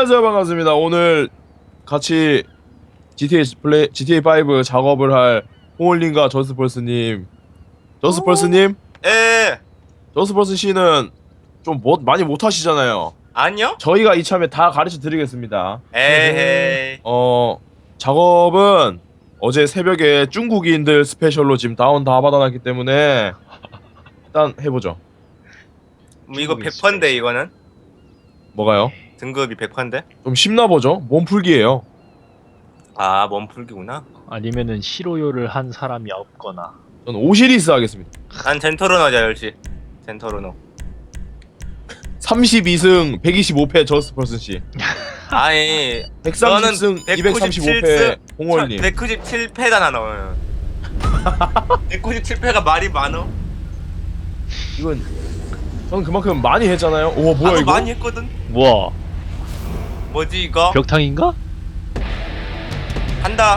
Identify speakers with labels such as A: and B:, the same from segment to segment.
A: 안녕하세요, 반갑습니다. 오늘 같이 GTA5 작업을 할 홍올님과 저스펄스님. 저스펄스님?
B: 에
A: 저스펄스 씨는 좀 많이 못하시잖아요.
B: 아니요?
A: 저희가 이참에 다 가르쳐 드리겠습니다.
B: 에헤이.
A: 작업은 어제 새벽에 중국인들 스페셜로 지금 다운 다 받아놨기 때문에 일단 해보죠.
B: 뭐 이거 100%인데 이거는
A: 뭐가요?
B: 등급이 100%인데?
A: 좀 쉽나보죠? 몸풀기예요.
B: 아 몸풀기구나.
C: 아니면은 시로요를 한 사람이 없거나.
A: 저는 오시리스 하겠습니다.
B: 난 젠토르노자 열시. 젠토르노.
A: 32승 125패 저스펄스 씨.
B: 아니
A: 130승 235패 홍월님.
B: 197패다 너는. 197패가 말이 많어?
A: 이건 저는 그만큼 많이 했잖아요. 오 뭐야
B: 나도
A: 이거?
B: 많이 했거든.
C: 뭐야?
B: 뭐지 이거?
C: 벽탕인가?
B: 한다.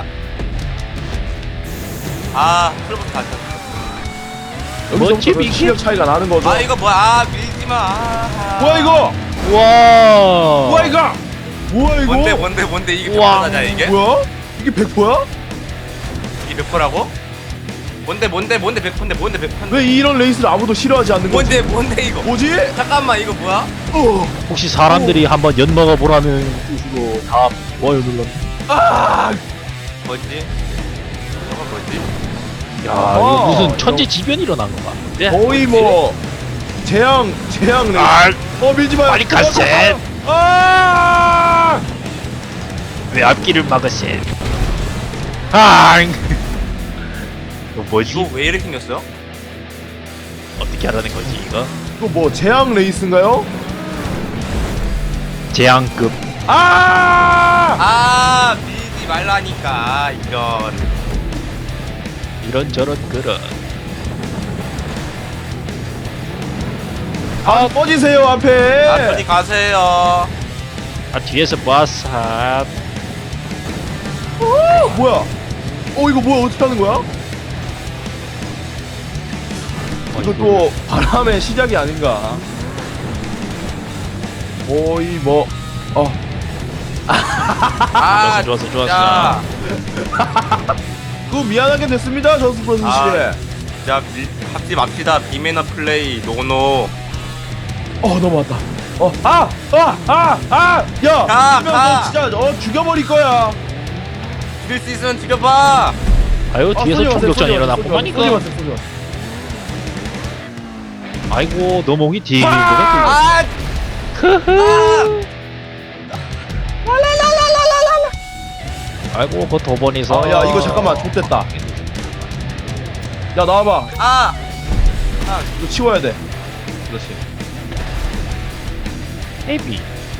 B: 아 풀부터 갔다.
A: 여기서부터 그 실력 차이가 나는 거죠.
B: 아 이거 뭐야? 아 밀지마. 아.
A: 뭐야 이거?
C: 와.
A: 뭐야 이거? 뭐야 이거?
B: 뭔데 이게
C: 우와.
B: 100%냐 이게?
A: 뭐야? 이게 100%야?
B: 이게 100%라고? 뭔데 100%인데 뭔데 100%인데?
A: 왜 이런 레이스를 아무도 싫어하지 않는 거지?
B: 뭔데 이거?
A: 뭐지?
B: 잠깐만 이거 뭐야?
C: 혹시 사람들이 한번 연 먹어보라는 뜻으로 다 뭐요 눌렀?
A: 아!
B: 뭐지? 저거 뭐지?
C: 야,
A: 아,
C: 이거 무슨
A: 이거
C: 천재지변이 일어난 건가?
A: 거의 뭐 재앙 레이스.
C: 아,
A: 밀지 마요.
C: 빨리 가세.
A: 아!
C: 왜 앞길을 막으세? 아, 이거 뭐지?
B: 이거 왜 이렇게 생겼어?
C: 어떻게 하라는 거지 이거?
A: 이거 뭐 재앙 레이스인가요?
C: 재앙급.
A: 아!
B: 아 밀지 말라니까 이런.
C: 이런저런 그런.
A: 아 꺼지세요 앞에.
B: 아 저리 가세요.
C: 아 뒤에서 뭐하사?
A: 뭐야? 이거 뭐야? 어떻게 하는 거야? 이것도 바람의 시작이 아닌가? 거의 뭐
B: 아
C: 좋았어.
B: 야,
A: 그거 미안하게 됐습니다, 저스퍼스 씨.
B: 아. 자 합지 맙시다. 비매너 플레이 노노.
A: 넘어왔다. 야,
B: 가,
A: 그러면
B: 가.
A: 너 진짜 죽여버릴 거야.
B: 죽일 수 있으면 죽여봐.
C: 아유 뒤에서
A: 쏘지 마세요,
C: 총격전이
A: 쏘지
C: 일어났구만
A: 마세요,
C: 이거.
A: 쏘지 마세요.
C: 아이고 너목이 뒤에
B: 아,
C: 크흐. 아이고 그 도번에서.
A: 야, 이거 잠깐만, 좆됐다. 야, 나와봐.
B: 아,
A: 이거 치워야 돼. 그렇지.
C: 헤비.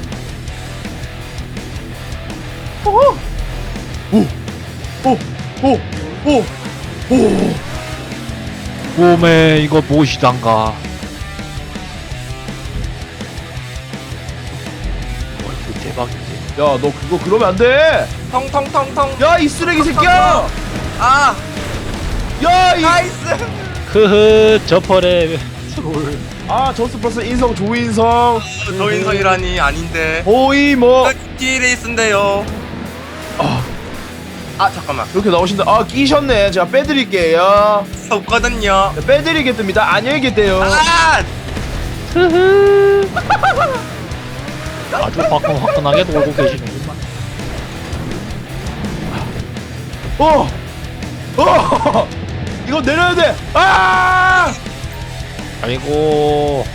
A: 오.
C: 몸에 이거 무엇이단가. 이거 대박인데.
A: 야, 너 그거 그러면 안 돼.
B: 통통통통.
A: 야, 이 쓰레기 새끼야.
B: 아,
A: 야, 이.
B: 나이스.
C: 크흐 저펄의 트롤.
A: 저스퍼스 인성 조인성.
B: 노인성이라니 아닌데.
A: 거의 뭐
B: T레이스인데요. 잠깐만.
A: 이렇게 나오신다. 끼셨네. 제가 빼드릴게요.
B: 없거든요.
A: 네, 빼드리겠습니다. 안녕히 계세요.
C: 크흐. 아주 화끈하게 놀고 계시는구만.
A: 이거 내려야 돼.
C: 아이고.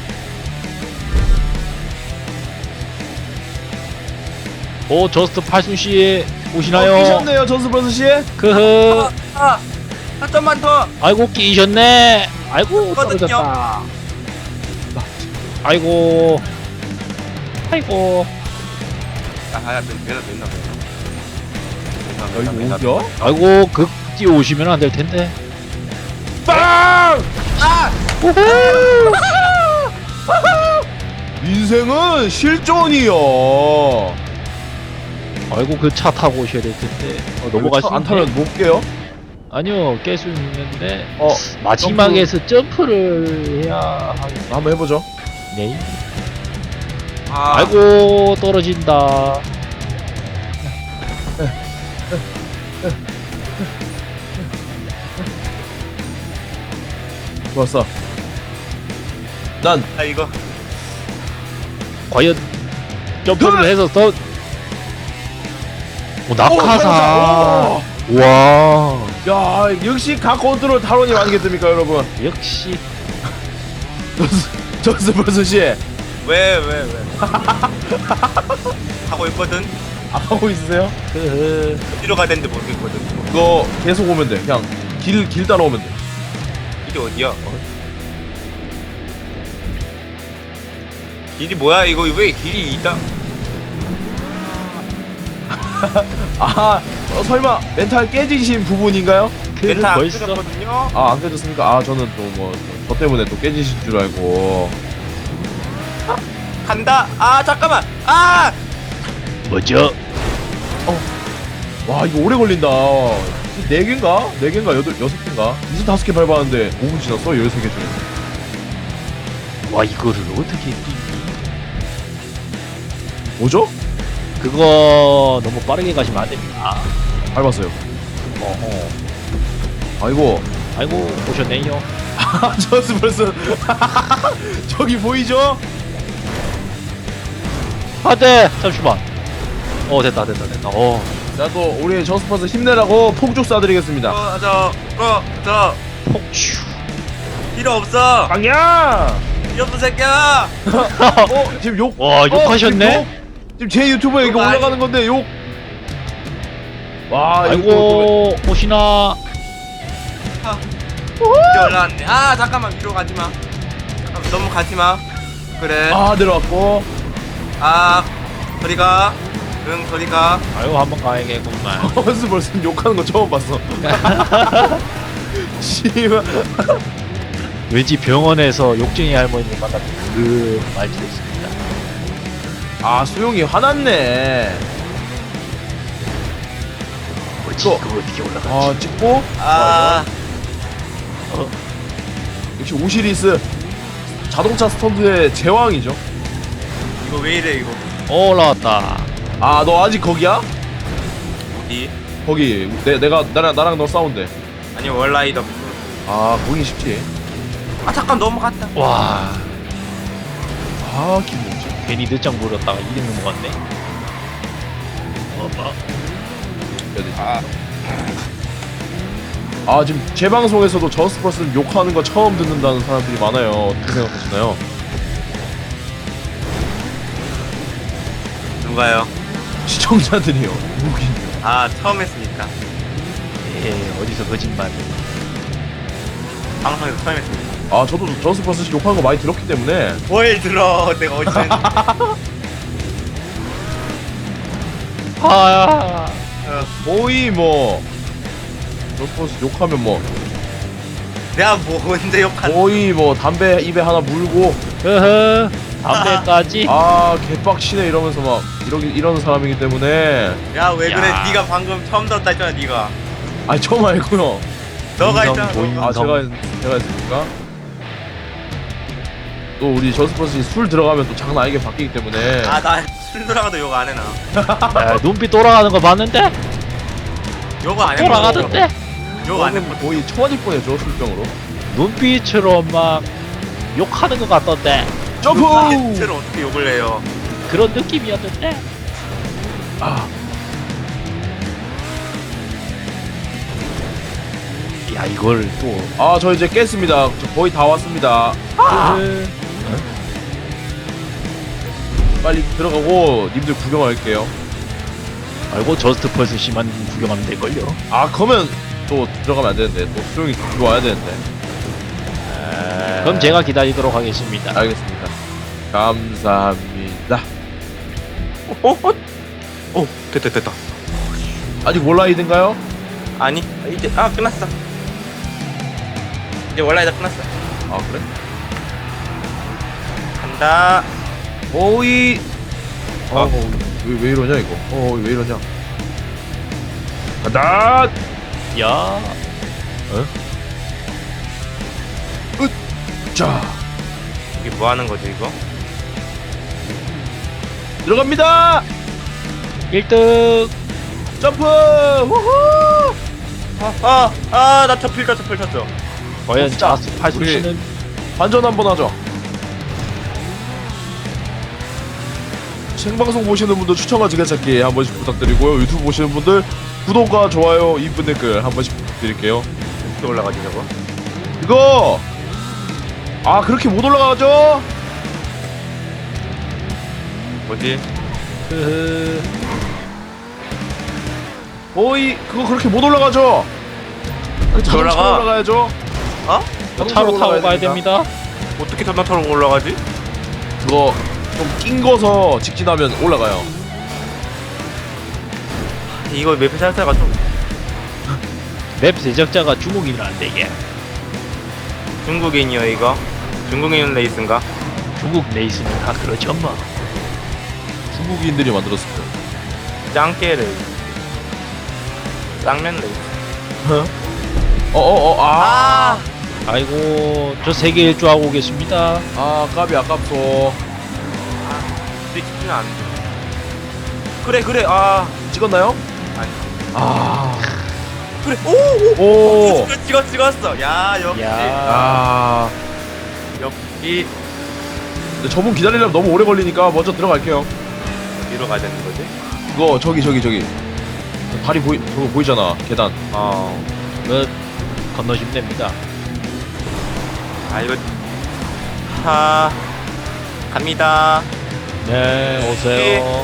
C: 오 저스트 팔순씨 오시나요?
A: 끼셨네요, 저스퍼스 씨.
C: 크흐.
B: 한 점만 더.
C: 아이고 끼셨네. 아이고
B: 거든요.
C: 떨어졌다. 아이고.
B: 됐나.
A: 이거 어디야?
C: 아이고 그 뛰어오시면 안 될 텐데.
A: 빵! 인생은 실존이요.
C: 아이고 그 차 타고 오셔야 될 텐데. 넘어갈 수
A: 안
C: 있네.
A: 타면 못 깨요?
C: 아니요 깰 수 있는데
A: 어,
C: 마지막에서 점프를 해야
A: 한번 해보죠.
C: 하네.
B: 아,
C: 아이고 떨어진다.
A: 좋았어. 난
B: 아 이거
C: 과연 점프를 해서 더. 오, 낙하산.
A: 오,
C: 와,
A: 야, 역시 각 컨트롤 탈론이 아니겠습니까, 여러분?
C: 역시.
A: 저스퍼스 씨
B: 왜 하고 있거든.
A: 하고 있으세요?
C: 흐흐.
B: 어디로 가야 되는지 모르겠거든.
A: 그거 계속 오면 돼. 그냥 길 따라오면 돼.
B: 길이 어디야? 길이 뭐야? 이거 왜 길이 있다?
A: 아, 설마 멘탈 깨지신 부분인가요?
B: 멘탈 안
C: 벌써.
B: 끊었거든요.
A: 아, 안 깨졌습니까? 아, 저는 또 뭐 저 때문에 또 깨지신 줄 알고.
B: 간다. 아 잠깐만. 아
C: 뭐죠?
A: 와, 이거 오래 걸린다. 4개인가? 4개인가? 6개인가? 25개 밟았는데 5분 지났어? 13개 중에.
C: 와, 이거를 어떻게 뛰니?
A: 뭐죠?
C: 그거 너무 빠르게 가시면 안 됩니다.
A: 밟았어요.
C: 어허.
A: 아이고.
C: 아이고 오셨네요.
A: 아, 저스 벌써 저기 보이죠?
C: 안돼. 잠시만. 됐다. 어.
A: 자, 또 우리 저스퍼스 힘내라고 폭죽 쏴드리겠습니다.
B: 저
C: 폭슈.
B: 필요 없어.
A: 방향!
B: 필요 없어 새끼야.
A: 지금 욕.
C: 와, 욕하셨네?
A: 지금 제 유튜브에 이거
B: 욕 아니-
A: 올라가는 건데 욕. 와, 이거
C: 아이고 오시나.
B: 이제 올라왔네. 아 잠깐만 위로 가지 마. 잠깐만 너무 가지 마. 그래.
A: 아, 내려왔고.
B: 아 저리가. 응 저리가.
C: 아이고 한번 가야겠구만.
A: 저스퍼스 욕하는 거 처음 봤어. 씨발.
C: 왠지 병원에서 욕쟁이 할머니를 만났던 그 말투도 있습니다.
A: 아, 수용이 화났네.
C: 뭐지?
A: 이거-
C: 그거 어떻게 올라가지?
A: 아, 찍고.
B: 아
A: 역시 오시리스 자동차 스턴트의 제왕이죠.
B: 이거 왜 이래 이거.
C: 올라왔다.
A: 아, 너 아직 거기야?
B: 어디?
A: 거기 내가 나랑 너 싸운대.
B: 아니 월라이더.
A: 아, 거긴 쉽지.
B: 아 잠깐 넘어갔다.
C: 와,
A: 아, 김봉지.
C: 괜히 늦장 부렸다가 2등 넘어갔네.
A: 아, 지금 제 방송에서도 저스퍼스는 욕하는 거 처음 듣는다는 사람들이 많아요. 어떻게 생각하시나요?
B: 누가요?
A: 시청자들이요. 누구긴.
B: 아 처음 했으니까.
C: 어디서 거짓말.
B: 방송에서 처음 했으니까.
A: 아, 저도 저스퍼스 욕하는 거 많이 들었기 때문에.
B: 뭘 들어? 내가 어디서 했는데.
C: 아,
A: 거의 뭐 저스퍼스 욕하면 뭐
B: 내가 뭐 언제 욕한?
A: 거의 뭐 담배 입에 하나 물고
C: 흐흐. 담배까지.
A: 아, 개빡치네 이러면서 막 이러는 사람이기 때문에.
B: 야 왜 그래?
C: 야.
B: 네가 방금 처음 들었다 했잖아 네가.
A: 아니, 처음 알고요.
B: 너가
C: 인성
B: 했잖아.
C: 보인-
B: 너가.
A: 아, 제가 했습니까? 또 우리 저스퍼스 술 들어가면 또 장난 아니게 바뀌기 때문에.
B: 아나 술 들어가도 욕 안 해나.
C: 야, 눈빛 돌아가는 거 봤는데?
B: 욕 안 해.
C: 돌아가던데?
B: 욕안 해.
A: 저는 거의 처맞을 뻔했죠, 술병으로.
C: 눈빛으로 막 욕하는 것 같던데?
A: 점프!
B: 실제로 어떻게 욕을 해요?
C: 그런 느낌이었는데?
A: 아,
C: 야, 이걸 또.
A: 아, 저 이제 깼습니다. 저 거의 다 왔습니다.
C: 흐흐.
A: 빨리 들어가고 님들 구경할게요.
C: 알고 저스트 펄스 심한 구경하면 될걸요?
A: 아, 그러면 또 들어가면 안 되는데. 또 수용이 들어와야 되는데.
C: 그럼 제가 기다리도록 하겠습니다.
A: 알겠습니다. 감사합니다.
B: 됐다.
A: 아직 몰라이든가요?
B: 아니 이제 끝났어. 이제 원라이더 끝났어.
A: 아, 그래?
B: 간다.
A: 거의.
B: 어?
A: 왜 이러냐 이거? 왜 이러냐? 간다.
C: 야,
A: 자,
B: 이게 뭐 하는 거지 이거?
A: 들어갑니다.
C: 1등.
A: 점프. 우후.
B: 나 쳤어.
C: 과연
A: 자,
C: 자스 팔
A: 우리-
C: 솜씨는
A: 반전 한번 하죠. 생방송 보시는 분들 추천과 지게찾기 한 번씩 부탁드리고요. 유튜브 보시는 분들 구독과 좋아요, 이쁜 댓글 한 번씩 부탁드릴게요.
B: 어떻게 올라가지 저거?
A: 이거 그렇게 못 올라가죠?
B: 뭐지?
C: 흐흐.
A: 거의 그거 그렇게 못 올라가죠? 자동차로
B: 올라가.
A: 올라가야죠.
B: 어?
C: 차로 타고
A: 올라가야
C: 가야
A: 됩니다.
C: 됩니다.
B: 어떻게 전화타로 올라가지?
A: 그거 좀 낀 거서 직진하면 올라가요.
B: 이거 맵 상태가 좀
C: 맵 제작자가 중국인이라는데 이게
B: 중국인이요 이거? 중국인 레이스인가?
C: 중국 레이스는 다 그렇죠 뭐.
A: 중국인들이 만들었을 거예요.
B: 짱깨 레이스 짱면 레이스
C: 아이고 저 세계 일주하고 오겠습니다.
A: 까비 아깝소.
B: 근데 집중이 안돼 그래
A: 찍었나요?
B: 아니 그래
A: 오.
B: 찍었어 야 역시
C: 야.
B: 역시
A: 근데 저분 기다리려면 너무 오래 걸리니까 먼저 들어갈게요.
B: 어디로 가야 되는 거지?
A: 그거 저기 다리 저거 보이잖아, 계단.
C: 그 건너시면 됩니다.
B: 이거 갑니다
C: 네 오세요.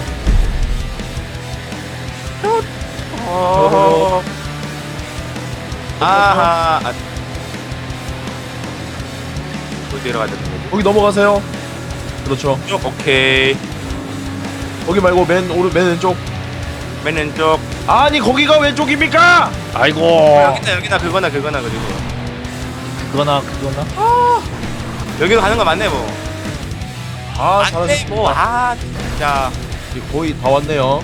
B: 어디로 가야 되는 거지?
A: 거기 넘어가세요. 그렇죠.
B: 오케이
A: 거기 말고 맨 왼쪽.
B: 맨 왼쪽
A: 아니 거기가 왼쪽입니까?
C: 아이고
B: 여기다 그거나 그리고
C: 그거나
B: 여기로 가는 거 맞네 뭐 맞네
A: 잘하셨습니다.
B: 뭐 진짜
A: 거의 다 왔네요.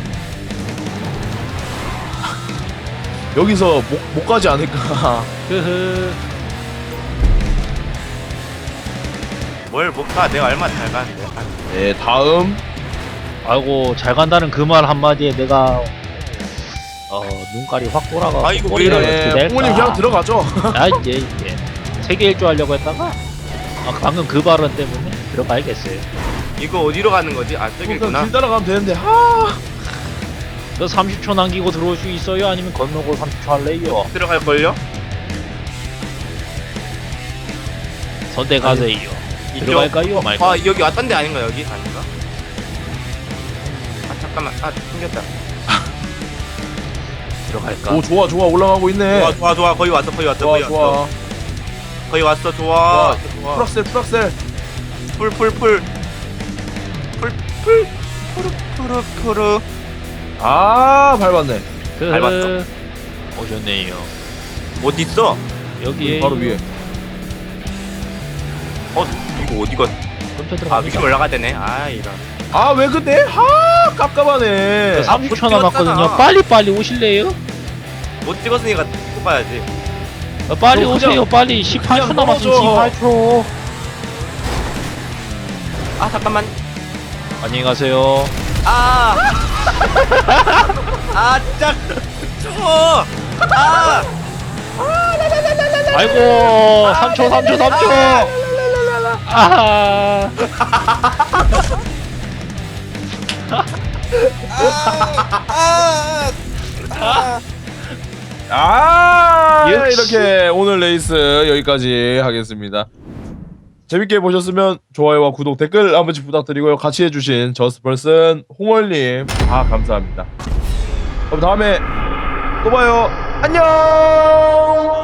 A: 여기서 못 가지 않을까.
C: 흐흐.
B: 뭘 못 가 내가 얼마나 잘 가는데
A: 네, 다음.
C: 아이고 잘 간다는 그 말 한마디에 내가 눈깔이 확 돌아가.
B: 이거 왜
C: 꼬리가
B: 이래?
C: 어떻게 될까?
A: 부모님 그냥 들어가죠.
C: 이제 세계 일주 하려고 했다가 방금 그 발언 때문에 들어가야겠어요.
B: 이거 어디로 가는 거지?
A: 그냥
B: 저기구나
A: 길 따라가면 되는데.
C: 그 30초 남기고 들어올 수 있어요? 아니면 건너고 30초 할래요?
B: 들어갈걸요?
C: 선택하세요. 들어갈까요? 말까요?
B: 여기 왔던 데 아닌가 여기? 아닌가? 잠깐만 생겼다
C: 들어갈까?
A: 오, 좋아 올라가고 있네.
B: 좋아 거의 왔어
A: 좋아.
B: 거의 왔어 좋아
A: 풀악셀.
B: 푸르
A: 밟았네.
B: 밟았어.
C: 오셨네요.
B: 어디 있어?
C: 여기에
A: 바로 위에.
B: 이거 어디가?
C: 먼저
B: 위로
C: 들어갑니다.
B: 올라가야 되네 이런
A: 왜 근데? 깝깝하네.
C: 30초
B: 못
C: 남았거든요.
B: 찍었잖아.
C: 빨리 오실래요?
B: 못 찍었으니까 또 가야지
C: 빨리
A: 그냥-
C: 오세요. 빨리 18초
A: 그냥
C: 남았어요.
A: 넘어져.
C: 18초.
B: 잠깐만
C: 안녕히 가세요.
B: 진짜 추워
C: 아이고 3초. 아하. 역시.
A: 이렇게 오늘 레이스 여기까지 하겠습니다. 재밌게 보셨으면 좋아요와 구독, 댓글 한 번씩 부탁드리고요. 같이 해주신 저스트펄슨 홍월님 감사합니다. 그럼 다음에 또 봐요. 안녕.